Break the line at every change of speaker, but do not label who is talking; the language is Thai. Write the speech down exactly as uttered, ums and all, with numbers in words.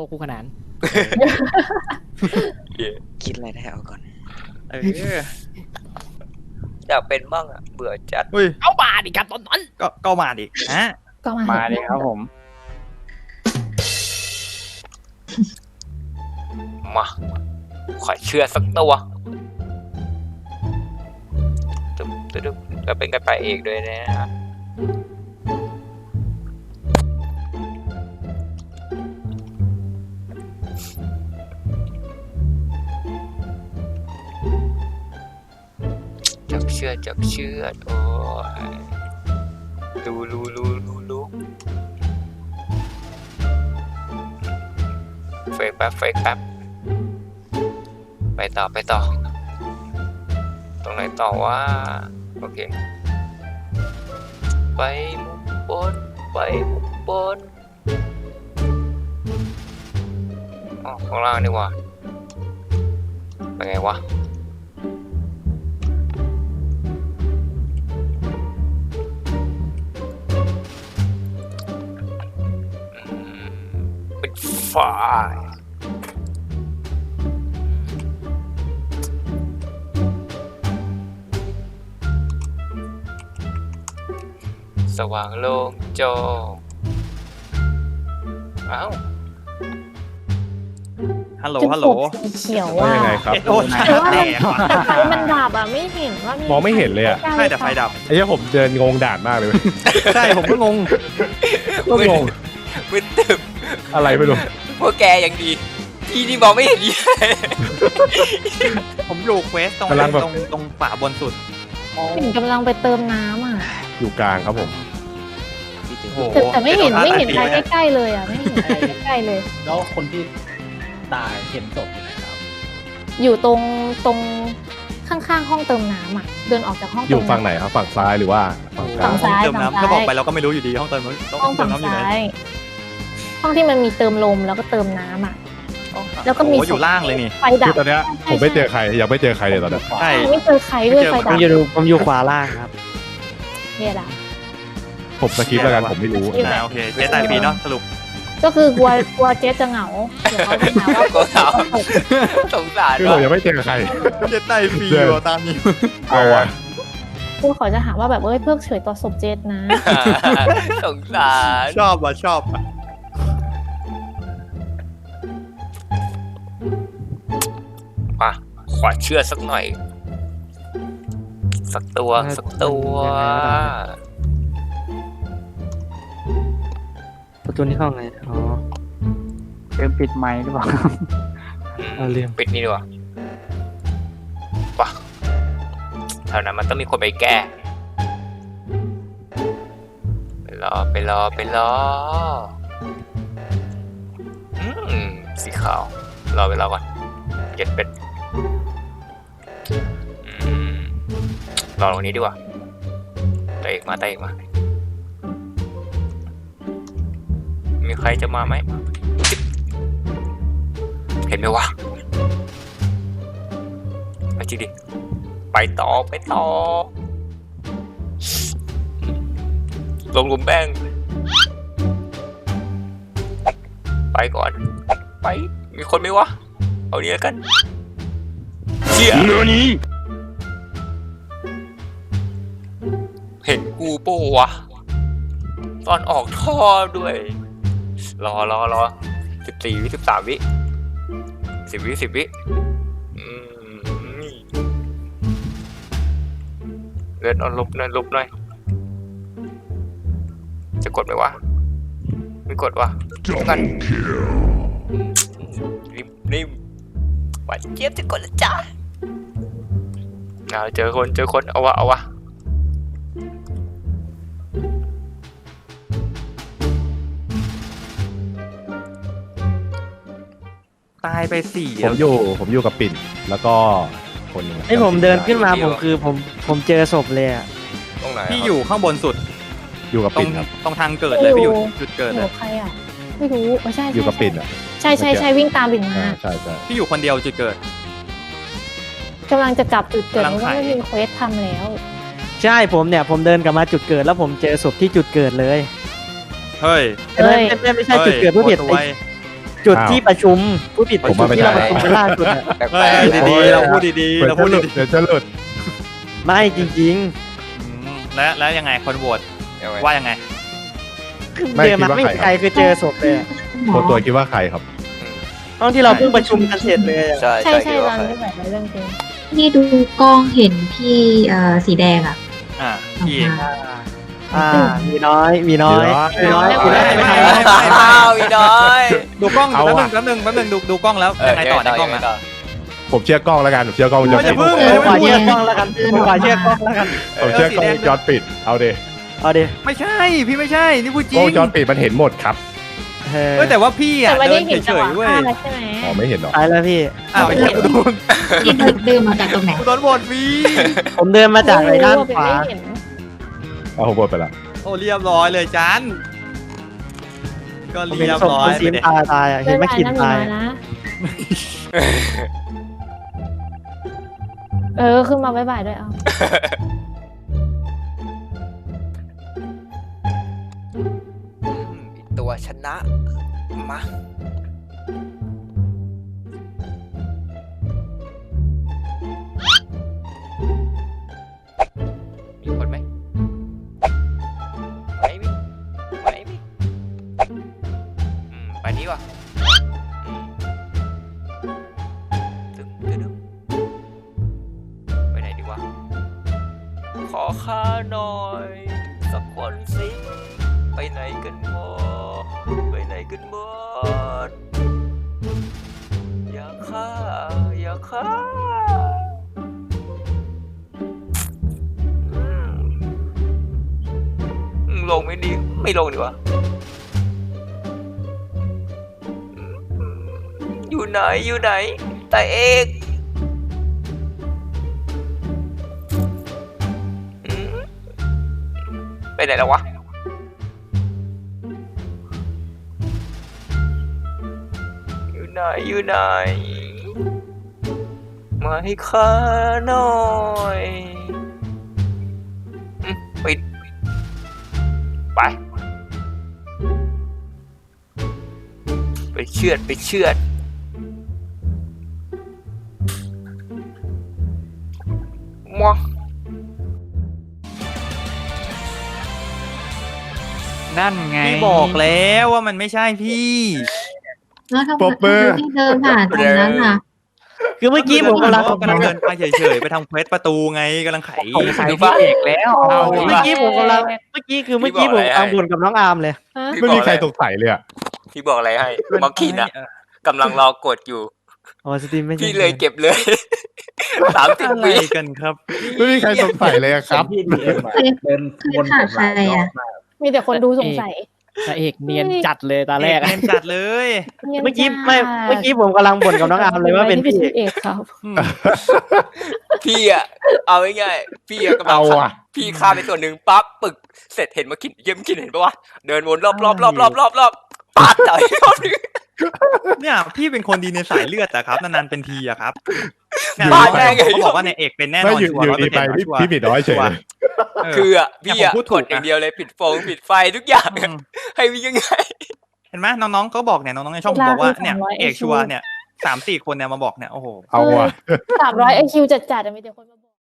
กคู่ขนาน
คิดอะไรได้เอาก่อน
เอออยากเป็นบ้างอ่ะเบื่อจัด
เอามาดิครับตอนนั้น
ก็ก็มาดิฮะ
ก็มา
มาดิครับผม
มาขอเชื่อสักตัวตึ๊บตึ๊บแล้วเป็นกันไปเอกด้วยนะจับเชือดจับเชือดโอ้ยดูรูรูรูรูเฟกแป๊บเฟกแป๊บไปต่อไปต่อตรงไหนต่อว่าโอเคไปมุมบนไปมุมบนอ๋อข้างล่างนี่วะไปไงวะเป็นไฟสว่างโล่งโจอ้าวฮัลโหลฮัลโหล
สีเขียว
ว่า
อ่ะ
ยังไงครับ
โอ้ย
แต่ว่า
แตก
แต่ไฟมันดับอ่ะไม่เห็นว่ามี
มองไม่เห็นเลยอะ
ใช่แต่ไฟดับ
ไอ้เหี้ยผมเดินงงด่านมากเลยเว้ย
ใช่ผมก็งง
ก็งง
มึนตึบ
อะไรไม่รู้
พวกแกยังดีที่นี่มองไม่เห็นยี่ผมอยู่เควสตรงตรงตรงฝาบนสุด
เห็นกำลังไปเติมน้ำอ่ะ
อยู่กลางครับผม
โอ้
แต่แต่ไม่เห็นไม่เห็นอะไรใกล้ๆเลยอ่ะไม่เห็นอะไรใกล้ๆเลย
แล้วคนที่ตายเห็นศพอยู่ไหนครับ
อยู่ตรงตรงข้างๆห้องเติมน้ำอ่ะเดินออกจากห้อง
อ
เติ
ยู่
ม
ฝั่งไหน
น้ำ
ครับฝั่งซ้ายหรือว่าฝั่งกลา
ฝั่
ง
งซ้าย
เติมน้ำถ้าบอกไปเราก็ไม่รู้อยู่ดีห้องเติม
ห้องฝั่งซ้ายห้องที่มันมีเติมลมแล้วก็เติมน้ำอ่ะแล้วก็มี
อยู่ล่างเลยนี่
ไฟดั
คื
บ
อตอนเนี้ยผมไม่เจอใครยังไม่เจอใครเลยตอนเนี้ย
ใช่
ไม่เจอใครด้วยไฟ
ผ
ดั
ม
บ
อยู่ผมอยู่ขวาล่างครับ
เนี่ยดับ
ผมสกิปแล้วกันผมไม่รู้
นะโอเคเจ๊ตายฟรีเนาะสรุป
ก็คือกลัวกลัวเจ๊จะเหงาเดี๋ยวเขาจะหาว่า
ก็เขาสงสาร
คือผมยังไม่เจอใคร
เจ๊ตายฟรีตามนี้
เอาวะ
กลัวเขาจะหาว่าแบบเอ้ยเพิกเฉยต่อศพเจ๊นะ
สงสารชอบว่ะชอบมาขอเชื่อสักหน่อยสักตัวสักตัว
ประตูนี้เข้าไงอ๋อ
เริ่มปิดไมค์หรือเปล่า
เอาเรื่อง
ปิดนี่ดีกว่าปะแถวนั้นมันต้องมีคนไปแก้ไปรอไปรอไปรออืมสีขาวรอไปรอก่อนเก็ดเป็ดอืมรอตรงนี้ดีกว่าเตะอีกมาเตะอีกมามีใครจะมาไหมเห็นไหมวะไปจริงดิไปต่อไปต่อลงหลุมแป้งไปก่อนไปมีคนไหมวะเอาเนี้ยกันเชี่ยเห็นกูโป้วะตอนออกท่อด้วยรอรอรอสิบสี่วิสิบสามวิสิบวิสิบวิเลื่อนเอาลบหน่อยลบหน่อยจะกดไหมวะไม่กดวะกันรีบรีบหวานเจี๊ยบจะกดแล้วจ้าเอาเจอคนเจอคนเอาวะเอาวะตายไปสี่
ผมอยู่ผมอยู่กับปิ่นแล้วก็คนหนึง
ไอ้ผมเดินขึ้นมาผมคือผมผมเจอศพเลยอ่ะ
ตรงไหน
พี่อยู่ข้างบนสุด
อยู่กับ
ตร
ปิ่
ง
นครับ
ตรงทางเกิดเลยพี่อยู่จุดเกิด
ห
เล
นู
ย
ใครอ่ะไม่รู้ไม่ใช่
อยู่กับปิ่นอ่ะ
ใช่ใช่ใช่วิ่งตามปิ่นมา
อ่าใช่ใช่
พี่อยู่คนเดียวจุดเกิด
กำลังจะกลับจุดเกิด
กำลัง
เพราะว่า
ไข
ไม่มีเควสทำแล้ว
ใช่ผมเนี่ยผมเดินกลับมาจุดเกิดแล้วผมเจอศพที่จุดเกิดเลย
เฮ้ย
ไม่ไม่ไม่ไม่ใช่จุดเกิดผู้ผิด
โคตรไว
ไจุด
อ้าว
ที่ประชุมผู้ผิด
ผมว่าไม่
ที่เรา
ใช่
ประชุมกันล่าสุดอะ
แปล
เฮ้ย
กๆ
ดี
นะ
ๆเราพูดดีๆ
เดี๋ยว
เรา
จะ
พูด
หลุด
ดี
เดี๋ยวจะหลุด
ไม่จริง
ๆอืมแล้วแล้วยังไงคนโหวต
เอาไว้
ว่ายังไง
ๆคือ
ไม่
เดินมา
คิดว่า
ไม่มี
ใคร
ใครคือเจอศพเลยอะ
ตัวตัวคิดว่าใครครับ
ห้องที่เราเพิ่งประชุมกันเสร็จเลยอะ
ใช่
ใช่
ใช่
ใช่
คิด
ต
ว่า
อน
ใคร
ที่แบบเรื่องจริง
ที่ดูกล้องเห็นพี่เอ่อสีแดงอ่ะ
อ่าพี่เอก
อ่ามีน้อยมีน้อย
มีน้อย
มีน้อย
ไม่
มี
ไม่
น้อย
ไม่ไม่ไม่
อ้าวอีน้อย
ดูกล้อง
เอา
แป๊บนึ
อะ
งแป๊บนึงแป๊บนึงดูดูกล้องแล้วยังไงต่อในกล้อง
ยั
อะ
ต่
ผมเชื่อกล้องแล้วกันผมเชื่อกล้องวงจร
ไม่
ปิ
จะ
ด
พึ่ง
ผมขอเชื่อกล้องแล้วกันผมขอเชื่อกล้องแล้วกัน
ผมเชื่อกล้องวงจรปิดเอาดิ
เอาดิ
ไม่ใช่พี่ไม่ใช่นี่พูดจริ
กล้อง
ง
วงจรปิดมันเห็นหมดครับ
เออ
เฮ้ยแต่ว่าพี่
แต่
อ่ะ
ไม่
เดิ
ได้
น
เห็น
เฉ
จังห
ยว
ะ
ๆเว้ย
ฆ่าแล้วใช่ไหม
อ๋อไม่เห็นหรอ
ไปแล้วพี่
อ้าวไอ้เหี้ยกูโดน
พี่เดินมาจากตรงไหน
กูโดนโหวตฟรี
ผมเดินมาจากไอ้ด้านขวา
ไม่เห็น
เอาผมหมดไปละ
โอ้เรียบร้อยเลยจันก็
ผม
เรี
เห็น
ยบ
ศพ
ร้อ
คุ
ย
ณซีม
ไปดิ
ตายตายอ่ะเห็นแม่ขินตาย
เดินผ่นหน้าหนูมนะเออขึ้นมาบ๊ายบายด้วยเอา
อืมอีกตัวชนะมามีคนไหมไหมมิไหมมิอืมไปนี้ว่ะอืมตึ้งตึ้งตึ้งไปไหนดีวะ ขอค่าหน่อย สักคนสิ ไปไหนกันหมดไปไหนกันหมดอย่าฆ่าอย่าฆ่าอืมอืมลงไม่ดี ไม่ลงดีกว่าอืมอยู่ไหนอยู่ไหน แต่เอกอืมไปไหนแล้ววะ อยู่ไหนอยู่ไหน มาให้ข้าหน่อยอืมปิด ไป ไปเชือดไปเชือดมัว
นั่นไงพี่บอกแล้วว่ามันไม่ใช่พี่
แล้วทำไม
ปรบมือ
ที่เดินผ่านตรงนั้นอ่ะ
คือเมื่อกี้ผมกำลัง
กำลังเดินไปเฉยๆไปทำเควสประตูไงกำลังไข
สงสัยพี่เอกแล้ว
เอา
เมื่อกี้ผมกำลังเมื่อกี้คือเมื่อกี้ผมกำลังบ่นกับน้องอาร์มเลย
ฮะ
ไม่มีใครสงสัยเลยอะ
พี่บอกอะไรให้มอคคินอะกำลังรอกดอยู่
อ๋อสตรีมไม่ใช่
พี่เลยเก็บเลย สามสิบ
อะไร
วิ
กันครับ
ไม่มีใครสงสัยเลยอะครับ
พี่ดีเอ็มอะเดิน
คือ
วน
ขาดใครอ่ะ
มีแต่คนดูสงสัย
พระเอกเนียนจัดเลยตาแรก
เล่นจัดเลย
เมื่อกี้ไม่เมื่อกี้ผมกำลังบ่นกับน้องอาร์มเลยว่าเป็นพี่
เอกครับ
อืม
พี่อะเอาง่ายๆพี่อะกำลัง
เอา
ฆ่า
อะ
พี่ฆ่าไปตัวหนึ่งปั๊บปึกเสร็จเห็นมาคินเยี่ยมคินเห็นปะวะเดินวนรอบรอบรอบรอบรอบรอบปาดต่อยรอบนึง
เนี่ยพี่เป็นคนดีในสายเลือดอะครับนานๆเป็นทีอะครับเนี่ย
บ้าแน่ไง
เขาบอกว่าในเอกเป็นแน่น
ไม่
อน
อยู่
ชัวร์
อยู่
ร้อยเปอ
ดี
ร์เซ็น
ไป
ต์
พี่
ชัวร์
พี่หมีน้อยเฉยเลย
เออ
คืออะพี่อะ
เนี่ยผมพูดถู
ก
ก
ดอย่าง
นะ
เดียวเลยปิดโฟงปิดไฟทุกอย่าง
อืม
ให้วิ่งยังไง
เห็นไหมน้องๆก็บอกเนี่ยน้องๆในช่องผมบอกว่าเนี่ย
เวลาคือ
เอกชัวร์เนี่ยสามสี่คนเนี่ยมาบอกเนี่ยโอ้โห
เอาอะ
สามร้อยไอคิวจัดๆอะมีแต่คนมา